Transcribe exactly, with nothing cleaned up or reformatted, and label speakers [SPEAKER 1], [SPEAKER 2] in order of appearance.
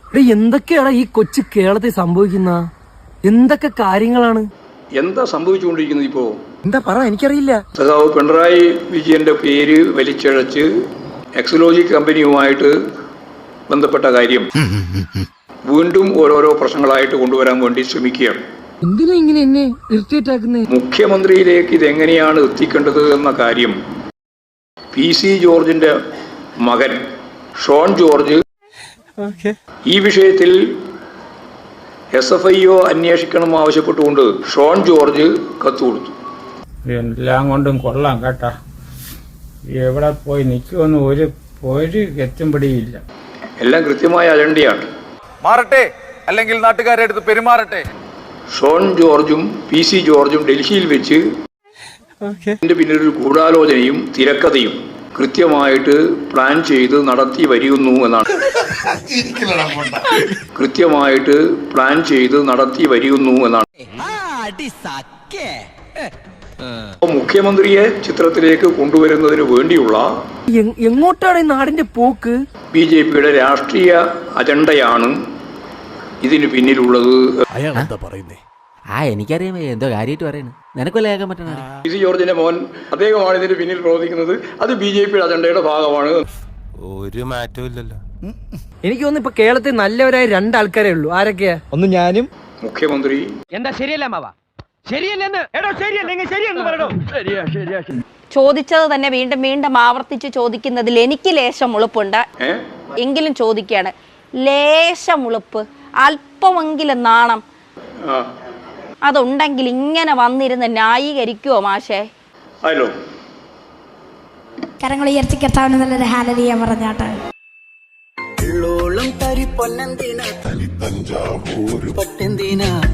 [SPEAKER 1] എന്തൊക്കെയാണ് ഈ കൊച്ചു കേരളത്തിൽ സംഭവിക്കുന്ന എന്തൊക്കെ കാര്യങ്ങളാണ്
[SPEAKER 2] എന്താ സംഭവിച്ചുകൊണ്ടിരിക്കുന്നത് ഇപ്പോ?
[SPEAKER 1] എന്താ പറ, എനിക്കറിയില്ല.
[SPEAKER 2] സഖാവ് പിണറായി വിജയന്റെ പേര് വലിച്ചഴച്ച് എക്സലോജി കമ്പനിയുമായിട്ട് ബന്ധപ്പെട്ട കാര്യം വീണ്ടും ഓരോരോ പ്രശ്നങ്ങളായിട്ട് കൊണ്ടുവരാൻ വേണ്ടി ശ്രമിക്കുകയാണ്.
[SPEAKER 1] എന്തിനാ ഇങ്ങനെ എന്നെ ഇറിറ്റേറ്റ് ആക്കുന്നേ?
[SPEAKER 2] മുഖ്യമന്ത്രിയിലേക്ക് ഇതെങ്ങനെയാണ് എത്തിക്കേണ്ടത് എന്ന കാര്യം പി സി ജോർജിന്റെ മകൻ ഷോൺ ജോർജ് ഈ വിഷയത്തിൽ എസ് എഫ് ഐ ഒ അന്വേഷിക്കണം ആവശ്യപ്പെട്ടുകൊണ്ട് ഷോൺ ജോർജ് കത്ത് കൊടുത്തു.
[SPEAKER 3] എല്ലാം കൊണ്ടും കൊള്ളാം കേട്ടാ. എവിടെ പോയി നിൽക്കുമെന്ന് ഒരു ഒരു എത്തും പിടിയില്ല.
[SPEAKER 2] എല്ലാം കൃത്യമായ അജണ്ടയാണ്.
[SPEAKER 4] മാറട്ടെ, അല്ലെങ്കിൽ നാട്ടുകാരെ അടുത്ത് പെരുമാറട്ടെ.
[SPEAKER 2] ഷോൺ ജോർജും പി സി ജോർജും ഡൽഹിയിൽ വെച്ച് ഇതിന്റെ പിന്നിലൊരു ഗൂഢാലോചനയും തിരക്കഥയും കൃത്യമായിട്ട് പ്ലാൻ ചെയ്ത് നടത്തി വരികയുന്നു എന്നാണ് കൃത്യമായിട്ട് പ്ലാൻ ചെയ്ത് നടത്തി വരികയുന്നു എന്നാണ് മുഖ്യമന്ത്രിയെ ചിത്രത്തിലേക്ക് കൊണ്ടുവരുന്നതിന് വേണ്ടിയുള്ള
[SPEAKER 1] എങ്ങോട്ടാണ് ഈ നാടിന്റെ പോക്ക്?
[SPEAKER 2] ബി ജെ പിയുടെ രാഷ്ട്രീയ അജണ്ടയാണ് ഇതിന് പിന്നിലുള്ളത്.
[SPEAKER 5] ആ എനിക്കറിയാം, എന്തോ കാര്യമായിട്ട് പറയുന്നു. നിനക്കൊല്ല കേൾക്കാൻ പറ്റണ
[SPEAKER 2] പി സി ജോർജിന്റെ മോൻ അദ്ദേഹമാണ് ഇതിന് പിന്നിൽ പ്രവർത്തിക്കുന്നത്. അത് ബി ജെ പിയുടെ അജണ്ടയുടെ ഭാഗമാണ്.
[SPEAKER 6] ഒരു മാറ്റവും ഇല്ലല്ലോ.
[SPEAKER 1] എനിക്ക് തോന്നുന്നു ഇപ്പൊ കേരളത്തിൽ നല്ലവരായ രണ്ടാൾക്കാരേ ഉള്ളൂ. ആരൊക്കെയാ? ഒന്ന് ഞാനും
[SPEAKER 2] മുഖ്യമന്ത്രി.
[SPEAKER 7] എന്താ ശരിയല്ല മാവാ? ശരിയല്ലെന്ന് എടോ, ശരിയല്ലെങ്കിൽ ശരിയെന്ന് പറയണോ? ശരിയാ ശരിയാ.
[SPEAKER 8] ചോദിച്ചത് തന്നെ വീണ്ടും വീണ്ടും ആവർത്തിച്ച് ചോദിക്കുന്നതിൽ എനിക്ക് ലേശം ഉളുപ്പുണ്ട്. എങ്കിലും ചോദിക്കുകയാണ്, ലേശം ഉളുപ്പ്, അല്പമെങ്കിലും നാണം അതുണ്ടെങ്കിൽ ഇങ്ങനെ വന്നിരുന്ന് ന്യായീകരിക്കുവോ മാഷേ?
[SPEAKER 2] ഹലോ,
[SPEAKER 9] കരങ്ങൾ ഉയർത്തി കർത്താവിന് നല്ലൊരു ഹല്ലേലൂയ പറഞ്ഞാട്ടെ.
[SPEAKER 10] തരി പൊന്നെന്തിനാ, തനി തഞ്ചാവൂർ പട്ടെന്തിനാ.